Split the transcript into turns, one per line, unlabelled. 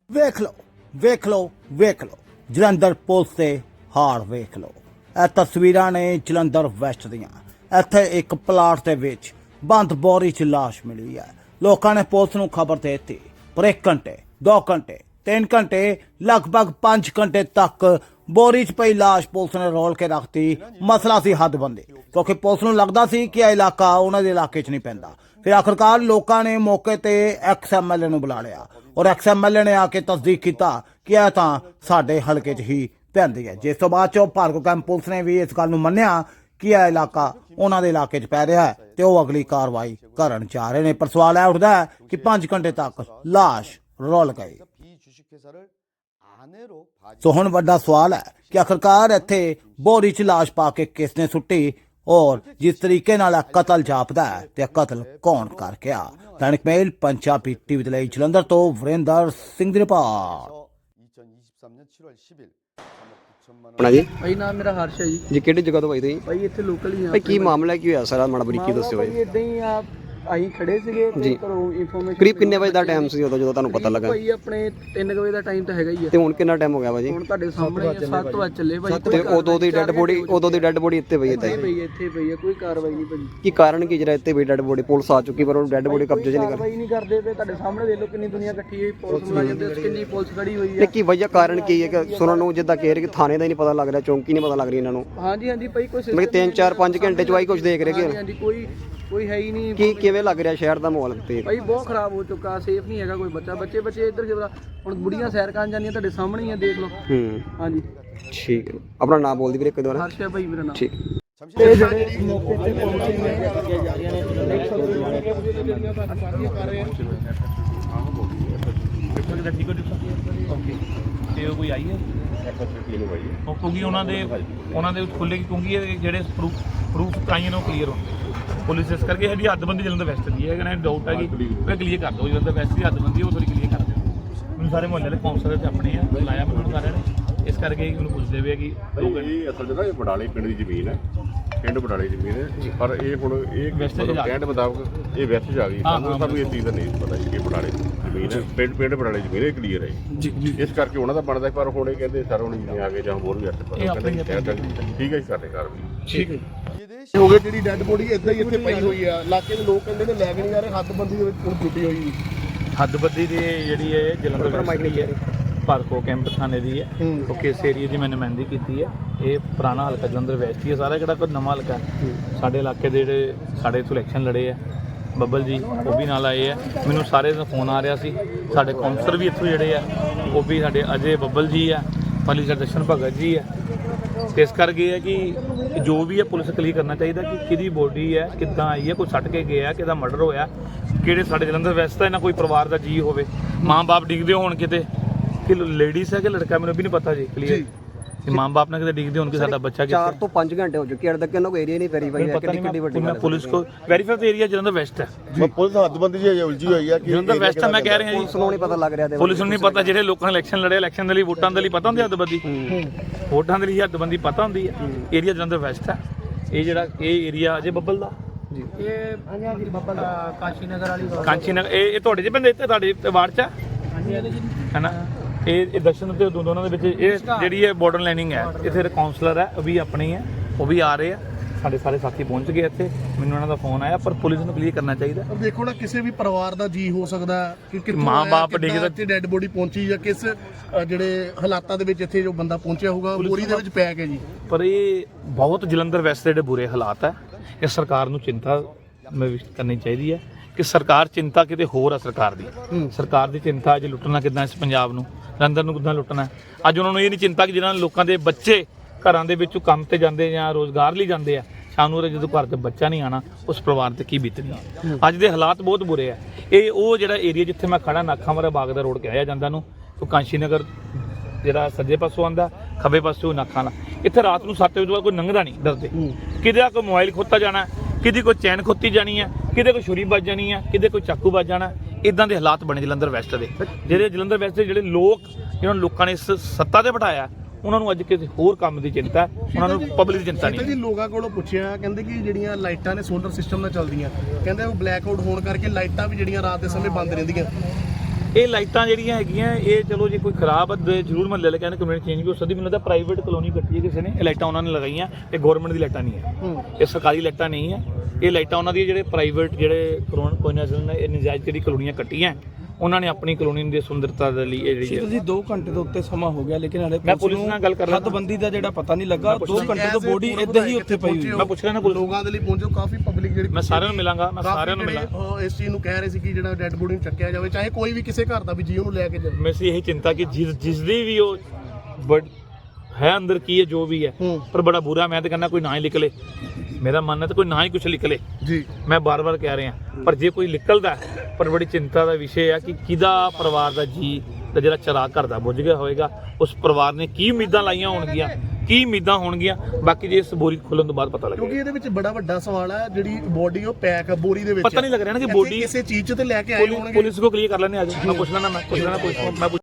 ਵੇਖ ਲਓ ਜਲੰਧਰ ਪੁਲਿਸ ਤੇ ਹਾਰ ਵੇਖ ਲਓ। ਇਹ ਤਸਵੀਰਾਂ ਨੇ ਜਲੰਧਰ ਵੈਸਟ ਦੀਆਂ। ਇੱਥੇ ਇੱਕ ਪਲਾਟ ਦੇ ਵਿੱਚ ਬੰਦ ਬੋਰੀ 'ਚ ਲਾਸ਼ ਮਿਲੀ ਹੈ। ਲੋਕਾਂ ਨੇ ਪੁਲਿਸ ਨੂੰ ਖਬਰ ਦੇ ਦਿੱਤੀ, ਪਰ 1 ਘੰਟੇ 2 ਘੰਟੇ 3 ਘੰਟੇ ਲਗਭਗ 5 ਘੰਟੇ ਤੱਕ ਬੋਰੀ 'ਚ ਪਈ ਲਾਸ਼ ਪੁਲਿਸ ਨੇ ਰੋਲ ਕੇ ਰੱਖਤੀ। ਮਸਲਾ ਸੀ ਹੱਦਬੰਦੀ, ਕਿਉਂਕਿ ਪੁਲਿਸ ਨੂੰ ਲੱਗਦਾ ਸੀ ਕਿ ਇਹ ਇਲਾਕਾ ਉਹਨਾਂ ਦੇ ਇਲਾਕੇ 'ਚ ਨਹੀਂ ਪੈਂਦਾ। ਫਿਰ ਆਖਰਕਾਰ ਲੋਕਾਂ ਨੇ ਮੌਕੇ ਤੇ XMLA ਨੂੰ ਬੁਲਾ ਲਿਆ ਔਰ XMLA ਨੇ ਆ ਕੇ ਤਸਦੀਕ ਕੀਤਾ ਕਿ ਇਹ ਤਾਂ ਸਾਡੇ ਹਲਕੇ 'ਚ ਹੀ ਪੈਂਦੀ ਹੈ। ਜਿਸ ਤੋਂ ਬਾਅਦ ਚੋਂ ਭਾਰਗੋ ਕੈਂਪ ਪੁਲਿਸ ਨੇ ਵੀ ਇਸ ਗੱਲ ਨੂੰ ਮੰਨਿਆ ਕਿ ਇਹ ਇਲਾਕਾ ਉਹਨਾਂ ਦੇ ਇਲਾਕੇ 'ਚ ਪੈ ਰਿਹਾ ਹੈ ਤੇ ਉਹ ਅਗਲੀ ਕਾਰਵਾਈ ਕਰਨ ਜਾ ਰਹੇ ਨੇ। ਪਰ ਸਵਾਲ ਇਹ ਉੱਠਦਾ ਹੈ ਕਿ 5 ਘੰਟੇ ਤੱਕ ਲਾਸ਼ ਰੋਲ ਗਈ। ਸੋ ਹੁਣ ਵੱਡਾ ਸਵਾਲ ਹੈ ਕਿ ਆਖਰਕਾਰ ਇੱਥੇ ਬੋਰੀ 'ਚ ਲਾਸ਼ ਪਾ ਕੇ ਕਿਸ ਨੇ ਸੁੱਟੀ ਔਰ ਜਿਸ ਤਰੀਕੇ ਨਾਲ ਕਤਲ ਜਾਪਦਾ ਹੈ ਤੇ ਕਤਲ ਕੌਣ ਕਰ ਗਿਆ। ਦੈਨਿਕ ਮੇਲ ਪੰਜਾਬੀ ਟੀਵੀ ਦੇ ਲਈ ਜਲੰਧਰ ਤੋਂ ਵਰਿੰਦਰ ਸਿੰਘ ਦੀ ਰਿਪੋਰਟ।
ਆਪਣਾ ਜੀ
ਭਾਈ ਨਾਮ ਮੇਰਾ ਹਰਸ਼ ਹੈ ਜੀ।
ਕਿਹੜੀ ਜਗ੍ਹਾ ਤੋਂ ਭਾਈ ਤੁਸੀਂ?
ਭਾਈ ਇੱਥੇ ਲੋਕਲ ਹੀ ਆ।
ਭਾਈ ਕੀ ਮਾਮਲਾ ਕੀ ਹੋਇਆ ਸਾਰਾ ਮਾੜਾ ਬਰੀਕੀ ਦੱਸਿਓ
ਭਾਈ ਇਦਾਂ ਹੀ ਆ, ਅਸੀਂ ਖੜੇ ਸੀਗੇ ਤੇ ਘਰੋਂ ਇਨਫੋਰਮੇਸ਼ਨ।
ਕਰੀਬ ਕਿੰਨੇ ਵਜੇ ਦਾ ਟਾਈਮ ਸੀ ਉਦੋਂ ਜਦੋਂ ਤੁਹਾਨੂੰ ਪਤਾ ਲੱਗਾ?
ਭਾਈ ਆਪਣੇ 3 ਵਜੇ ਦਾ ਟਾਈਮ ਤਾਂ ਹੈਗਾ ਹੀ ਆ।
ਤੇ ਹੁਣ ਕਿੰਨਾ ਟਾਈਮ ਹੋ ਗਿਆ ਭਾਜੀ?
ਹੁਣ ਤੁਹਾਡੇ ਸਾਹਮਣੇ 7 ਵਜੇ ਚੱਲੇ ਭਾਈ।
ਤੇ ਉਦੋਂ ਦੀ ਡੈੱਡ ਬੋਡੀ ਇੱਥੇ ਪਈ ਹੈ ਤਾਂ
ਇੱਥੇ ਪਈ ਹੈ, ਕੋਈ ਕਾਰਵਾਈ ਨਹੀਂ ਭਾਈ।
ਕੀ ਕਾਰਨ ਕੀ ਜਿਹੜਾ ਇੱਥੇ ਪਈ ਡੈੱਡ ਬੋਡੀ? ਪੁਲਿਸ ਆ ਚੁੱਕੀ ਪਰ ਉਹ ਡੈੱਡ ਬੋਡੀ ਕਬਜ਼ੇ 'ਚ ਨਹੀਂ ਕਰ
ਕਾਰਵਾਈ ਨਹੀਂ ਕਰਦੇ ਪਏ। ਤੁਹਾਡੇ ਸਾਹਮਣੇ ਦੇਖ ਲਓ ਕਿੰਨੀ ਦੁਨੀਆ ਇਕੱਠੀ ਹੋਈ, ਪੁਲਿਸ ਮੁਲਾਜ਼ਮ ਤੇ ਕਿੰਨੀ ਪੁਲਿਸ ਖੜੀ ਹੋਈ
ਤੇ
ਹੈ।
ਕੀ ਵਜ੍ਹਾ ਕਾਰਨ ਕੀ ਹੈ ਕਿ ਸੁਣਨ ਨੂੰ ਜਿੱਦਾਂ ਕਹਿ ਰਹੇ ਕਿ ਥਾਣੇ ਦਾ ਹੀ ਨਹੀਂ ਪਤਾ ਲੱਗ ਰਿਹਾ, ਚੌਂਕੀ ਨਹੀਂ ਪਤਾ ਲੱਗ ਰਹੀ ਇਹਨਾਂ ਨੂੰ?
ਹਾਂਜੀ ਭਾਈ ਕੋਈ
ਮਤਲਬ 3 4 5 ਘੰਟੇ 'ਚ ਆਈ ਕੁਝ ਦੇਖ ਰਹੇ ਕਿ
ਹਾਂਜੀ ਕੋਈ ਹੈ ਹੀ ਨਹੀਂ।
ਕੀ ਕਿਵੇਂ ਲੱਗ ਰਿਹਾ ਸ਼ਹਿਰ ਦਾ ਮਾਹੌਲ ਤੇ?
ਭਾਈ ਬਹੁਤ ਖਰਾਬ ਹੋ ਚੁੱਕਾ, ਸੇਫ ਨਹੀਂ ਹੈਗਾ ਕੋਈ ਬੱਚੇ ਇੱਧਰ ਜਿਹੜਾ ਹੁਣ ਬੁੜੀਆਂ ਸੈਰ ਕਰਨ ਜਾਂਦੀਆਂ ਤੁਹਾਡੇ ਸਾਹਮਣੇ ਹੀ ਆ, ਦੇਖ ਲਓ। ਹਾਂਜੀ
ਠੀਕ ਹੈ। ਆਪਣਾ ਨਾਮ ਬੋਲ ਦੀ ਵੀਰੇ ਇੱਕ ਵਾਰ।
ਹਰਸ਼ ਹੈ ਭਾਈ ਮੇਰਾ ਨਾਮ।
ਠੀਕ
ਇਹ ਜਿਹੜੇ ਮੌਕੇ ਤੇ ਪਹੁੰਚੇ ਨੇ
ਤੇ ਉਹ ਕੋਈ ਆਈ ਹੈ ਉਹ ਕਿਉਂਕਿ ਉਹਨਾਂ ਦੇ ਖੁੱਲੇ ਕਿਉਂਕਿ ਇਹ ਜਿਹੜੇ ਪ੍ਰੂਫ ਕਾਈਆਂ ਨੂੰ ਕਲੀਅਰ ਹੋਣ ਪੁਲਿਸ ਇਸ ਕਰਕੇ ਸਾਡੀ ਹੱਦਬੰਦੀ ਜਲੰਧਰ ਵੈਸਟ ਦੀ ਹੈ। ਕਹਿੰਦਾ ਡਾਊਟ ਹੈ ਕਿ ਉਹ ਕਲੀਅਰ ਕਰ ਦਿਓ, ਜਲੰਧਰ ਵੈਸਟ ਦੀ ਹੱਦਬੰਦੀ ਉਹ ਥੋੜੀ ਕਲੀਅਰ ਕਰ ਦਿਓ। ਮੈਨੂੰ ਸਾਰੇ ਮੁਹੱਲੇ ਦੇ ਕਾਉਂਸਲਰ ਤੇ ਆਪਣੇ ਆ ਬੁਲਾਇਆ ਮੈਨੂੰ ਸਾਰਿਆਂ ਨੇ, ਇਸ ਕਰਕੇ ਮੈਨੂੰ ਪੁੱਛਦੇ ਪਏ ਕਿ
ਇਹ ਅਸਲ 'ਚ ਨਾ ਇਹ ਬਡਾਲੇ ਪਿੰਡ ਦੀ ਜ਼ਮੀਨ ਹੈ, ਪਿੰਡ ਬਡਾਲੇ ਜ਼ਮੀਨ ਹੈ। ਪਰ ਇਹ ਹੁਣ ਇਹ ਕਹਿਣ ਦੇ ਮੁਤਾਬਕ ਇਹ ਵੈਸਟ 'ਚ ਆ ਗਈ। ਸਾਨੂੰ ਇਹ ਚੀਜ਼ ਦਾ ਨਹੀਂ ਪਤਾ ਕਿ ਬਡਾਲੇ ਜ਼ਮੀਨ ਹੈ, ਪਿੰਡ ਬਡਾਲੇ ਜ਼ਮੀਨ ਹੈ, ਕਲੀਅਰ ਹੈ। ਇਸ ਕਰਕੇ ਉਹਨਾਂ ਦਾ ਬਣਦਾ। ਪਰ ਹੁਣ ਇਹ ਕਹਿੰਦੇ ਸਰ ਹੁਣ ਜਿਵੇਂ ਆ ਗਏ ਜਾਂ ਹੋਰ ਵੀ ਅਸਲ ਪਤਾ ਕਹਿੰਦੇ ਠੀਕ ਹੈ ਜੀ ਸਾਡੇ ਕਾਰਵਾਈ ਠੀਕ ਹੈ।
ਹੋ ਗਏ ਜਿਹੜੀ ਡੈੱਡ ਬੋਡੀ ਇਦਾਂ ਹੀ ਇੱਥੇ ਪਈ ਹੋਈ ਆ, ਇਲਾਕੇ ਦੇ ਲੋਕ ਕਹਿੰਦੇ ਨੇ ਲੈ ਕੇ ਨਹੀਂ ਆ ਰਹੇ। ਹੱਦਬੰਦੀ ਦੇ ਵਿੱਚ ਹੁਣ ਟੁੱਟੀ ਹੋਈ
ਹੱਦਬੰਦੀ ਦੀ ਜਿਹੜੀ ਹੈ ਜਲੰਧਰ ਵੈਸਟ ਦੀ ਹੈ, ਭਾਰਗੋ ਕੈਂਪ ਥਾਣੇ ਦੀ ਹੈ, ਕਿਉਂਕਿ ਇਸ ਏਰੀਏ ਦੀ ਮੈਂ ਨੁਮਾਇੰਦਗੀ ਕੀਤੀ ਹੈ। ਇਹ ਪੁਰਾਣਾ ਹਲਕਾ ਜਲੰਧਰ ਵੈਸਟ ਹੀ ਹੈ ਸਾਰਾ, ਕਿਹੜਾ ਕੋਈ ਨਵਾਂ ਹਲਕਾ। ਸਾਡੇ ਇਲਾਕੇ ਦੇ ਜਿਹੜੇ ਸਾਡੇ ਇੱਥੋਂ ਇਲੈਕਸ਼ਨ ਲੜੇ ਆ ਬੱਬਲ ਜੀ, ਉਹ ਵੀ ਨਾਲ ਆਏ ਆ। ਮੈਨੂੰ ਸਾਰੇ ਦਾ ਫੋਨ ਆ ਰਿਹਾ ਸੀ। ਸਾਡੇ ਕਾਉਂਸਲਰ ਵੀ ਇੱਥੋਂ ਜਿਹੜੇ ਆ ਉਹ ਵੀ ਸਾਡੇ ਅਜੇ ਬੱਬਲ ਜੀ ਆ, ਪਲੀ ਦਰਸ਼ਨ ਭਗਤ ਜੀ ਆ। ਇਸ ਕਰਕੇ ਹੈ ਕਿ ਜੋ ਵੀ ਹੈ ਪੁਲਿਸ ਕਲੀਅਰ ਕਰਨਾ ਚਾਹੀਦਾ ਕਿ ਕਿਹਦੀ ਬੋਡੀ ਹੈ, ਕਿੱਦਾਂ ਆਈ ਹੈ, ਕੋਈ ਸੱਟ ਕੇ ਗਿਆ, ਕਿਹਦਾ ਮਰਡਰ ਹੋਇਆ, ਕਿਹੜੇ ਸਾਡੇ ਜਲੰਧਰ ਵੈਸਟ ਦਾ ਇਹਨਾਂ ਕੋਈ ਪਰਿਵਾਰ ਦਾ ਜੀ ਹੋਵੇ, ਮਾਂ-ਬਾਪ ਡਿੱਗਦੇ ਹੋਣ ਕਿਤੇ, ਕਿ ਲੇਡੀਜ਼ ਹੈ ਕਿ ਲੜਕਾ ਮੈਨੂੰ ਵੀ ਨਹੀਂ ਪਤਾ ਜੀ ਕਲੀਅਰ। ਤੇ ਮਾਂ-ਬਾਪ ਨੇ ਕਿਤੇ ਡਿੱਗਦੇ ਹੋਣ ਕਿ ਸਾਡਾ ਬੱਚਾ
4 ਤੋਂ 5 ਘੰਟੇ ਹੋ ਚੁੱਕੇ, ਅਜੇ ਤੱਕ ਇਹਨਾਂ ਕੋਈ ਏਰੀਆ ਨਹੀਂ ਵੈਰੀਫਾਈ ਹੈ। ਕਿੰਨੀ ਵੱਡੀ
ਮੈਂ ਪੁਲਿਸ ਕੋ ਵੈਰੀਫਾਈ ਤਾਂ ਏਰੀਆ ਜਲੰਧਰ ਵੈਸਟ ਹੈ।
ਪੁਲਿਸ ਹੱਦਬੰਦੀ ਜੀ ਉਲਝੀ ਹੋਈ ਆ।
ਜਲੰਧਰ ਵੈਸਟ ਹੈ, ਮੈਂ ਕਹਿ ਰਿਹਾ ਜੀ।
ਪੁਲਿਸ ਨੂੰ ਨਹੀਂ ਪਤਾ ਲੱਗ ਰਿਹਾ।
ਪੁਲਿਸ ਨੂੰ ਨਹੀਂ ਪਤਾ, ਜਿਹੜੇ ਲੋਕਾਂ ਨੇ ਇਲੈਕਸ਼ਨ ਲੜੇ, ਇਲੈਕਸ਼ਨ ਦੇ ਲਈ ਵੋਟਾਂ ਦੇ ਲਈ ਪਤਾ ਹੁੰਦੀ ਹੱਦਬੰਦੀ, ਵੋਟਾਂ ਦੇ ਲਈ ਹੱਦਬੰਦੀ ਪਤਾ ਹੁੰਦੀ ਹੈ। ਏਰੀਆ ਜਲੰਧਰ ਵੈਸਟ ਹੈ। ਇਹ ਏਰੀਆ ਅਜੇ ਬੱਬਲ ਦਾ
ਇਹ ਹਾਂਜੀ ਬੱਬਲ ਕਾਂਚੀ ਨਗਰ ਵਾਲੀ
ਕਾਂਚੀ ਨਗਰ, ਇਹ ਤੁਹਾਡੇ ਚ ਪੈਂਦੇ, ਇੱਥੇ ਤੁਹਾਡੇ ਵਾਰਡ ਚ ਹੈ ਨਾ। ਇਹ ਦਰਸ਼ਨ ਤੇ ਦੋਨਾਂ ਦੇ ਵਿੱਚ ਇਹ ਜਿਹੜੀ ਹੈ ਬਾਰਡਰ ਲਾਈਨਿੰਗ ਹੈ। ਇੱਥੇ ਕਾਉਂਸਲਰ ਹੈ, ਉਹ ਵੀ ਆਪਣੇ ਹੈ, ਉਹ ਵੀ ਆ ਰਹੇ ਆ। ਸਾਡੇ ਸਾਰੇ ਸਾਥੀ ਪਹੁੰਚ ਗਏ ਇੱਥੇ, ਮੈਨੂੰ ਉਹਨਾਂ ਦਾ ਫੋਨ ਆਇਆ। ਪਰ ਪੁਲਿਸ ਨੂੰ ਕਲੀਅਰ ਕਰਨਾ ਚਾਹੀਦਾ।
ਦੇਖੋ ਨਾ, ਕਿਸੇ ਵੀ ਪਰਿਵਾਰ ਦਾ ਜੀ ਹੋ ਸਕਦਾ ਕਿ ਕਿੱਥੋਂ
ਮਾਂ-ਬਾਪ ਡਿੱਗਦਾ
ਇੱਥੇ ਡੈੱਡ ਬੋਡੀ ਪਹੁੰਚੀ ਜਾਂ ਕਿਸ ਜਿਹੜੇ ਹਾਲਾਤਾਂ ਦੇ ਵਿੱਚ ਇੱਥੇ ਜੋ ਬੰਦਾ ਪਹੁੰਚਿਆ ਹੋਊਗਾ ਬੋਰੀ ਦੇ ਵਿੱਚ ਪੈ ਕੇ ਜੀ।
ਪਰ ਇਹ ਬਹੁਤ ਜਲੰਧਰ ਵੈਸਟ ਦੇ ਜਿਹੜੇ ਬੁਰੇ ਹਾਲਾਤ ਹੈ, ਇਹ ਸਰਕਾਰ ਨੂੰ ਚਿੰਤਾ ਕਰਨੀ ਚਾਹੀਦੀ ਹੈ ਕਿ ਸਰਕਾਰ ਚਿੰਤਾ ਕਿਤੇ ਹੋਰ ਆ। ਸਰਕਾਰ ਦੀ ਚਿੰਤਾ ਅੱਜ ਲੁੱਟਣਾ ਕਿੱਦਾਂ ਇਸ ਪੰਜਾਬ ਨੂੰ, ਜਲੰਧਰ ਨੂੰ ਕਿੱਦਾਂ ਲੁੱਟਣਾ। ਅੱਜ ਉਹਨਾਂ ਨੂੰ ਇਹ ਨਹੀਂ ਚਿੰਤਾ ਕਿ ਜਿਹਨਾਂ ਲੋਕਾਂ ਦੇ ਬੱਚੇ ਘਰਾਂ ਦੇ ਵਿੱਚੋਂ ਕੰਮ ਤੇ ਜਾਂਦੇ ਜਾਂ ਰੋਜ਼ਗਾਰ ਲਈ ਜਾਂਦੇ ਆ, ਸ਼ਾਮ ਨੂੰ ਜਦੋਂ ਘਰ 'ਚ ਬੱਚਾ ਨਹੀਂ ਆਣਾ, ਉਸ ਪਰਿਵਾਰ ਤੇ ਕੀ ਬੀਤਣੀ। ਅੱਜ ਦੇ ਹਾਲਾਤ ਬਹੁਤ ਬੁਰੇ ਆ। ਇਹ ਉਹ ਜਿਹੜਾ ਏਰੀਆ ਜਿੱਥੇ ਮੈਂ ਖੜਾ, ਨਾਖਾਂ ਬਾਗ ਦਾ ਰੋਡ ਕਿਹਾ ਜਾਂਦਾ ਨੂੰ, ਉਹ ਕਾਂਸ਼ੀ ਨਗਰ ਜਿਹੜਾ ਸੱਜੇ ਪਾਸੋਂ ਆਉਂਦਾ, ਖੱਬੇ ਪਾਸੋਂ ਨਾਖਾਂ ਵਾਲਾ। ਇੱਥੇ ਰਾਤ ਨੂੰ 7 ਵਜੇ ਤੋਂ ਬਾਅਦ ਕੋਈ ਲੰਘਦਾ ਨਹੀਂ ਡਰਦੇ। ਕਿਤੇ ਕੋਈ ਮੋਬਾਈਲ ਖੋਤਾ ਜਾਣਾ, ਕਿਤੇ ਕੋਈ ਚੈਨ ਖੋਤੀ ਜਾਣੀ ਹੈ, ਕਿਤੇ ਕੋਈ ਛੁਰੀ ਵੱਜ ਜਾਣੀ ਹੈ, ਕਿਤੇ ਕੋਈ ਚਾਕੂ ਵੱਜ ਜਾਣਾ। ਇਦਾਂ ਦੇ ਹਾਲਾਤ ਬਣੇ ਜਲੰਧਰ ਵੈਸਟ ਦੇ। ਜਿਹੜੇ ਜਲੰਧਰ ਵੈਸਟ ਦੇ ਜਿਹੜੇ ਜਿਹਨਾਂ ਲੋਕਾਂ ਨੇ ਇਸ ਸੱਤਾ ਤੇ ਬਿਠਾਇਆ, ਉਹਨਾਂ ਨੂੰ ਅੱਜ ਕਿਸੇ ਹੋਰ ਕੰਮ ਦੀ ਚਿੰਤਾ, ਉਹਨਾਂ ਨੂੰ ਪਬਲਿਕ ਦੀ ਚਿੰਤਾ ਨਹੀਂ।
ਜੀ ਲੋਕਾਂ ਕੋਲੋਂ ਪੁੱਛਿਆ, ਕਹਿੰਦੇ ਕਿ ਜਿਹੜੀਆਂ ਲਾਈਟਾਂ ਨੇ ਸੋਲਰ ਸਿਸਟਮ ਨਾਲ ਚੱਲਦੀਆਂ, ਕਹਿੰਦੇ ਉਹ ਬਲੈਕ ਆਊਟ ਹੋਣ ਕਰਕੇ ਲਾਈਟਾਂ ਵੀ ਜਿਹੜੀਆਂ ਰਾਤ ਦੇ ਸਮੇਂ ਬੰਦ ਰਹਿੰਦੀਆਂ।
ਇਹ ਲਾਈਟਾਂ ਜਿਹੜੀਆਂ ਹੈਗੀਆਂ ਇਹ ਚਲੋ ਜੇ ਕੋਈ ਖਰਾਬ ਜ਼ਰੂਰ ਮੰਨ ਲੈ ਕਹਿੰਦੇ ਕਮਿਊਨਿਟੀ ਚੇਂਜ ਵੀ ਹੋ ਸਕਦੀ। ਮੈਨੂੰ ਲੱਗਦਾ ਪ੍ਰਾਈਵੇਟ ਕਲੋਨੀ ਕੱਟੀ ਹੈ ਕਿਸੇ ਨੇ, ਇਹ ਲਾਈਟਾਂ ਉਹਨਾਂ ਨੇ ਲਗਾਈਆਂ, ਇਹ ਗਵਰਨਮੈਂਟ ਦੀ ਲਾਈਟਾਂ ਨਹੀਂ ਹੈ, ਇਹ ਸਰਕਾਰੀ ਲਾਈਟਾਂ ਨਹੀਂ ਹੈ, ਇਹ ਲਾਈਟਾਂ ਉਹਨਾਂ ਦੀ ਜਿਹੜੇ ਪ੍ਰਾਈਵੇਟ ਜਿਹੜੇ ਕੋਈ ਨਾ ਇਹ ਨਜਾਇਜ਼ ਜਿਹੜੀ ਕਲੋਨੀਆਂ ਕੱਟੀਆਂ ਉਹਨਾਂ ਨੇ ਆਪਣੀ ਕਲੋਨੀ ਦੀ ਸੁੰਦਰਤਾ ਦੇ ਲਈ ਇਹ ਜਿਹੜੀ
ਤੁਸੀਂ 2 ਘੰਟੇ ਦੇ ਉੱਤੇ ਸਮਾਂ ਹੋ ਗਿਆ ਲੇਕਿਨ ਹਲੇ
ਮੈਂ ਪੁਲਿਸ ਨਾਲ ਗੱਲ ਕਰ ਰਿਹਾ
ਹੱਦਬੰਦੀ ਦਾ ਜਿਹੜਾ ਪਤਾ ਨਹੀਂ ਲੱਗਾ। 2 ਘੰਟੇ ਤੋਂ ਬੋਡੀ ਇੱਦਾਂ ਹੀ ਉੱਥੇ ਪਈ ਹੋਈ।
ਮੈਂ ਪੁੱਛ ਰਿਹਾ ਨਾ ਪੁਲਿਸ
ਲੋਕਾਂ ਦੇ ਲਈ ਪਹੁੰਚੋ, ਕਾਫੀ ਪਬਲਿਕ ਜਿਹੜੀ
ਮੈਂ ਸਾਰਿਆਂ ਨੂੰ ਮਿਲਾਂਗਾ, ਮੈਂ ਸਾਰਿਆਂ ਨੂੰ ਮਿਲਾਂ।
ਇਸ ਚੀਜ਼ ਨੂੰ ਕਹਿ ਰਹੇ ਸੀ ਕਿ ਜਿਹੜਾ ਡੈੱਡ ਬੋਡੀ ਨੂੰ ਚੱਕਿਆ ਜਾਵੇ, ਚਾਹੇ ਕੋਈ ਵੀ ਕਿਸੇ ਘਰ ਦਾ ਵੀ ਜੀ ਉਹਨੂੰ ਲੈ ਕੇ ਜਾਵੇ।
ਮੈਂ ਸੀ ਇਹੀ ਚਿੰਤਾ ਕਿ ਜਿਸ ਦੀ ਵੀ ਉਹ ਹੈ ਅੰਦਰ ਕੀ ਹੈ ਜੋ ਵੀ ਹੈ, ਪਰ ਬੜਾ ਬੁਰਾ ਮੈਂ ਤਾਂ ਕਹਿੰਦਾ ਕੋਈ ਨਾ ਹੀ ਨਿਕਲੇ, ਮੇਰਾ ਮਨ ਹੈ ਤਾਂ ਕੋਈ ਨਾ ਹੀ ਕੁਝ ਨਿਕਲੇ
ਜੀ।
ਮੈਂ ਬਾਰ-ਬਾਰ ਕਹਿ ਰਿਹਾ, ਪਰ ਜੇ ਕੋਈ ਨਿਕਲਦਾ ਪਰ ਬੜੀ ਚਿੰਤਾ ਦਾ ਵਿਸ਼ੇ ਆ ਕਿ ਕਿਹਦਾ ਪਰਿਵਾਰ ਦਾ ਜੀ ਦਾ ਜਿਹੜਾ ਚਿਰਾਗ ਘਰ ਦਾ ਬੁੱਝ ਗਿਆ ਹੋਏਗਾ, ਉਸ ਪਰਿਵਾਰ ਨੇ ਕੀ ਉਮੀਦਾਂ ਲਾਈਆਂ ਹੋਣਗੀਆਂ, ਕੀ ਉਮੀਦਾਂ ਹੋਣਗੀਆਂ, ਬਾਕੀ ਜੇ ਇਸ ਬੋਰੀ ਖੁੱਲਣ ਤੋਂ ਬਾਅਦ ਪਤਾ ਲੱਗੇਗਾ।
ਕਿਉਂਕਿ ਇਹਦੇ ਵਿੱਚ ਬੜਾ ਵੱਡਾ ਸਵਾਲ ਹੈ, ਜਿਹੜੀ ਬੋਡੀ ਉਹ ਪੈਕ ਆ ਬੋਰੀ ਦੇ ਵਿੱਚ,
ਪਤਾ ਨਹੀਂ ਲੱਗ ਰਿਹਾ ਨਾ ਕਿ ਬੋਡੀ
ਕਿਸੇ ਚੀਜ਼ 'ਚ ਤੇ ਲੈ ਕੇ ਆਏ ਹੋਣਗੇ।
ਪੁਲਿਸ ਕੋ ਕਲੀਅਰ ਕਰ ਲੈਣੇ ਆ, ਮੈਂ ਪੁੱਛ ਲੈਣਾ, ਮੈਂ ਪੁੱਛ ਲੈਣਾ,